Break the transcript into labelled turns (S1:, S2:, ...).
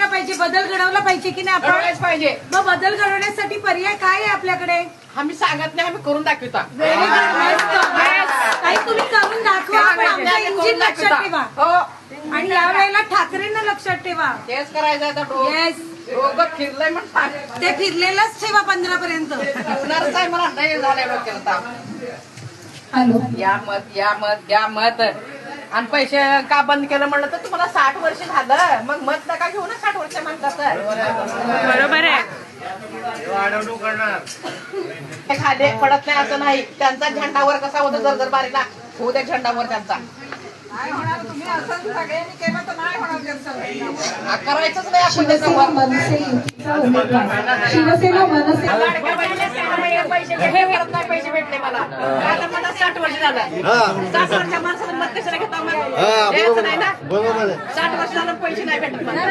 S1: केला पाहिजे, बदल घडवला पाहिजे की नाही आपण
S2: पाहिजे.
S1: मग बदल घडवण्यासाठी पर्याय काय आहे आपल्याकडे?
S2: आम्ही सांगत नाही, आम्ही करून दाखवता.
S1: काही तुम्ही करून दाखवा, पण आमचं इंजिन लक्षात ठेवा.
S2: हो
S1: आणि यावेळेला ठाकरेंना लक्षात ठेवा.
S2: तेच करायचं आता.
S1: येस,
S2: डोकं फिरलंय म्हणून
S1: ते फिरलेलंच ठेवा 15 पर्यंत.
S2: होणारच आहे मला. नाही झालंय डोक्याला.
S1: हॅलो,
S2: या मत, या मत, या मत. आणि पैसे का बंद केलं म्हणलं तर तुम्हाला 60 वर्ष झालं, मग मत नका घेऊ ना 60 वर्ष म्हणतात.
S1: बरोबर आहे.
S2: ते खाली पडत नाही असं नाही. त्यांचा झेंडावर कसा होता जर बारीला होऊ द्या झेंडावर त्यांचा.
S3: तुम्ही असं सगळ्यांनी केलं तर नाही होणार त्यांचं.
S2: करायचंच नाही आपण त्याच्यावर. पैसे करत नाही, पैसे भेटले मला. आता मला 60 वर्ष झालं. 60 वर्षाच्या माणसाला मत कशाला घेता? 60 वर्ष झालं पैसे नाही भेटत मला.